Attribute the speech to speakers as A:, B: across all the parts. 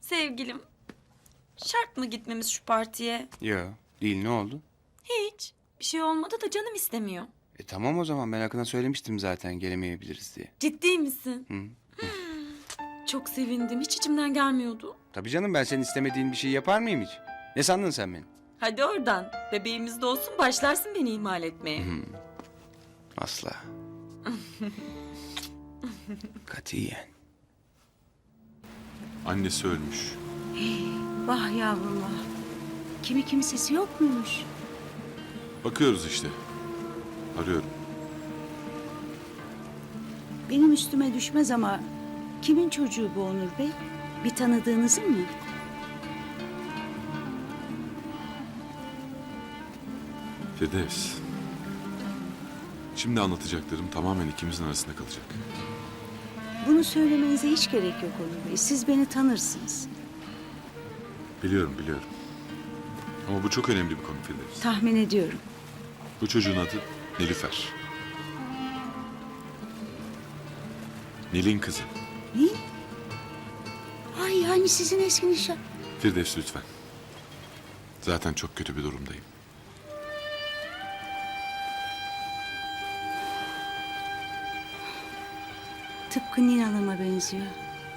A: Sevgilim, şart mı gitmemiz şu partiye?
B: Yo, değil, ne oldu?
A: Hiç. Bir şey olmadı da canım istemiyor.
B: Tamam o zaman, ben Akın'a söylemiştim zaten gelemeyebiliriz diye.
A: Ciddi misin?
B: Hı.
A: Çok sevindim. Hiç içimden gelmiyordu.
B: Tabii canım, ben senin istemediğin bir şey yapar mıyım hiç? Ne sandın sen beni?
A: Hadi oradan. Bebeğimiz de olsun başlarsın beni ihmal etmeye.
B: Asla. Katiyen.
C: Annesi ölmüş.
D: Vah yavrum vah. Kimi kimsesi yok muymuş?
C: Bakıyoruz işte. Arıyorum.
D: Benim üstüme düşmez ama kimin çocuğu bu Onur Bey? Bir tanıdığınızın mı?
C: Firdevs. Şimdi anlatacaklarım tamamen ikimizin arasında kalacak.
D: Bunu söylemenize hiç gerek yok Onur Bey. Siz beni tanırsınız.
C: Biliyorum. Ama bu çok önemli bir konu Firdevs.
D: Tahmin ediyorum.
C: Bu çocuğun adı Nilüfer. Nil'in kızı.
D: Ne? Ay yani sizin eski nişan.
C: Firdevs lütfen. Zaten çok kötü bir durumdayım.
D: Tıpkı Nil Hanım'a benziyor.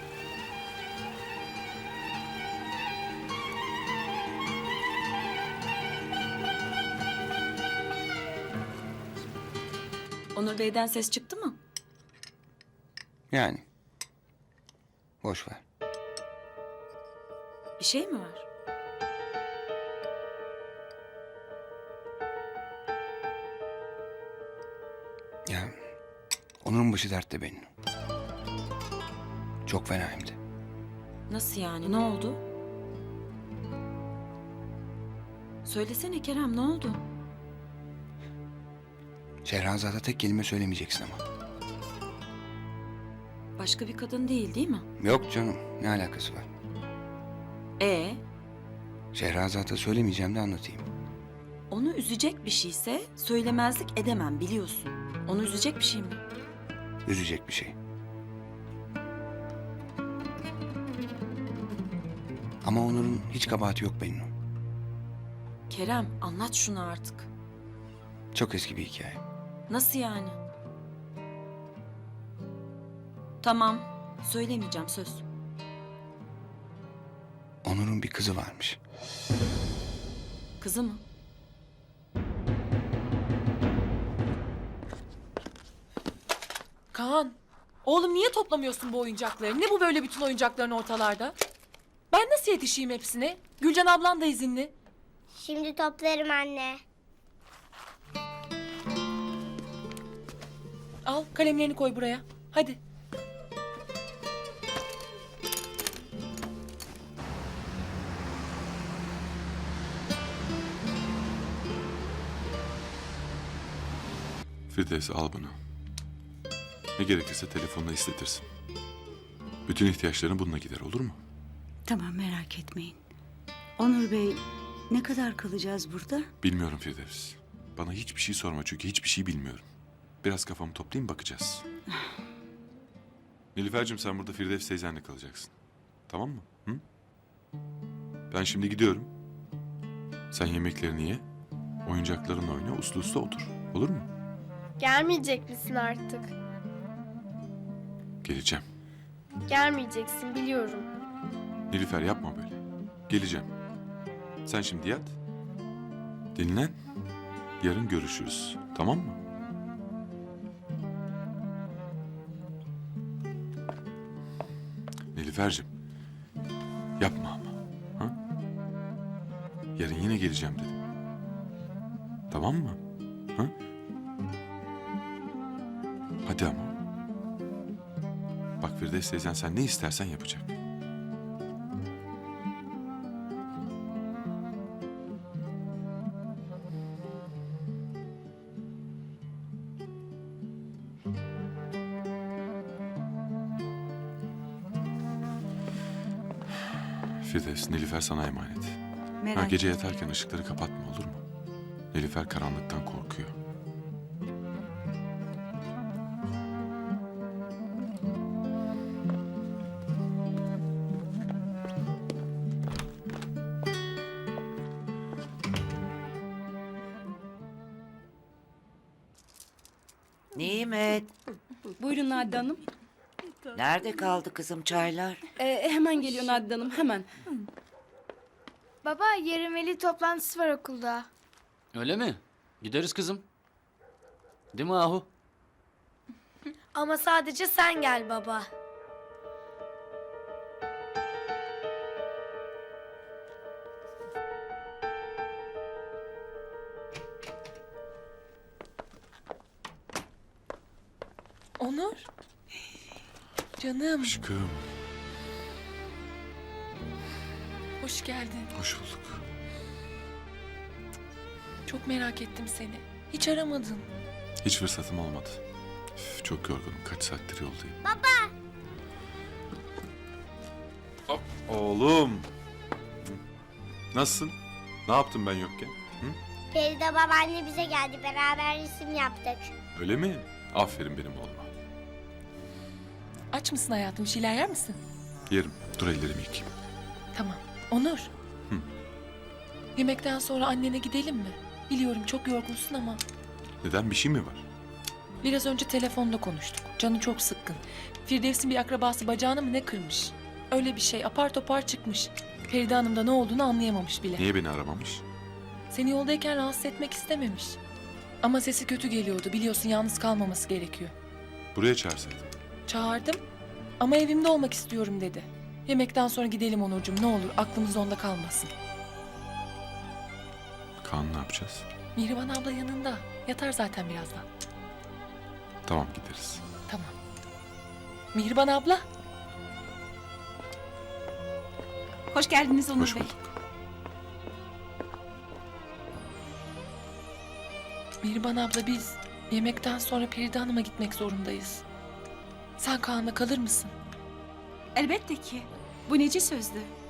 A: Onur Bey'den ses çıktı mı?
B: Yani. Boş ver.
A: Bir şey mi var?
B: Ya, Onur'un başı dertte benim. Çok fena hem de.
A: Nasıl yani? Ne oldu? Söylesene Kerem, ne oldu?
B: Şehrazat'a tek kelime söylemeyeceksin ama.
A: Başka bir kadın değil mi?
B: Yok canım, ne alakası var?
A: Ee,
B: Şehrazat'a söylemeyeceğim de anlatayım.
A: onu üzecek bir şeyse söylemezlik edemem biliyorsun. Onu üzecek bir şey mi?
B: Üzecek bir şey. Ama Onur'un hiç kabahati yok benim.
A: Kerem, anlat şunu artık.
B: Çok eski bir hikaye.
A: Nasıl yani? Tamam, söylemeyeceğim söz.
B: Onur'un bir kızı varmış.
A: Kızı mı?
E: Kaan, oğlum niye toplamıyorsun bu oyuncakları? Ne bu böyle bütün oyuncakların ortalarda? Ben nasıl yetişeyim hepsine? Gülcan ablan da izinli.
F: Şimdi toplarım anne.
E: Al kalemlerini koy buraya. Hadi.
C: Firdevs al bunu. Ne gerekirse telefonla istetirsin. Bütün ihtiyaçların bununla gider, olur mu?
D: Tamam merak etmeyin. Onur Bey ne kadar kalacağız burada?
C: Bilmiyorum Firdevs. Bana hiçbir şey sorma çünkü hiçbir şey bilmiyorum. Biraz kafamı toplayayım bakacağız. Nilüfer'cim sen burada Firdevs teyzenle kalacaksın. Tamam mı? Hı? Ben şimdi gidiyorum. Sen yemeklerini ye. Oyuncaklarınla oyna, uslu uslu otur. Olur mu?
F: Gelmeyecek misin artık?
C: Geleceğim.
F: Gelmeyeceksin biliyorum.
C: Nilüfer yapma böyle. Geleceğim. Sen şimdi yat. Dinlen. Yarın görüşürüz. Tamam mı? Nilüfer'cim. Yapma ama. Ha? Yarın yine geleceğim dedim. Tamam mı? Ha? Hadi ama. Bak Firdevs teyzen sen ne istersen yapacak. Firdevs, Nilüfer sana emanet.
D: Merak
C: Gece yatarken ışıkları kapatma olur mu? Nilüfer karanlıktan korkuyor.
G: Nimet,
H: Buyurun Nadide Hanım.
G: nerede kaldı kızım çaylar?
H: Hemen geliyor Nadide Hanım, hemen.
F: Baba yarın veli toplantısı var okulda.
I: Öyle mi? Gideriz kızım. Değil mi Ahu?
F: Ama sadece sen gel baba.
E: Onur. Canım,
C: Aşkım,
E: hoş geldin.
C: hoş bulduk.
E: Çok merak ettim seni. Hiç aramadın.
C: Hiç fırsatım olmadı. Üf, çok yorgunum. Kaç saattir yoldayım. Baba! Oğlum! Hı. Nasılsın? Ne yaptım ben yokken? Hı?
F: Feride babaanne bize geldi. Beraber resim yaptık.
C: Öyle mi? Aferin benim oğluma.
E: Aç mısın hayatım? Bir şeyler yer misin?
C: Yerim. Dur ellerimi yıkayayım.
E: Tamam. Onur.
C: Hı.
E: Yemekten sonra annene gidelim mi? Biliyorum çok yorgunsun ama
C: Neden? Bir şey mi var?
E: biraz önce telefonda konuştuk. Canı çok sıkkın. Firdevs'in bir akrabası bacağını mı ne kırmış? Öyle bir şey apar topar çıkmış. Feride Hanım da ne olduğunu anlayamamış bile.
C: Niye beni aramamış?
E: Seni yoldayken rahatsız etmek istememiş. Ama sesi kötü geliyordu. Biliyorsun yalnız kalmaması gerekiyor.
C: Buraya çağırsaydım.
E: Çağırdım ama evimde olmak istiyorum dedi. Yemekten sonra gidelim Onurcuğum ne olur aklımız onda kalmasın.
C: Kaan ne yapacağız?
E: Mihriban abla yanında. Yatar zaten birazdan.
C: Tamam gideriz.
E: Tamam. Mihriban abla.
A: Hoş geldiniz Onur
C: Hoş
A: Bey.
C: bulduk.
E: Mihriban abla biz yemekten sonra Feride Hanım'a gitmek zorundayız. Sen Kaan'la kalır mısın?
A: Elbette ki. Bu neci sözdü?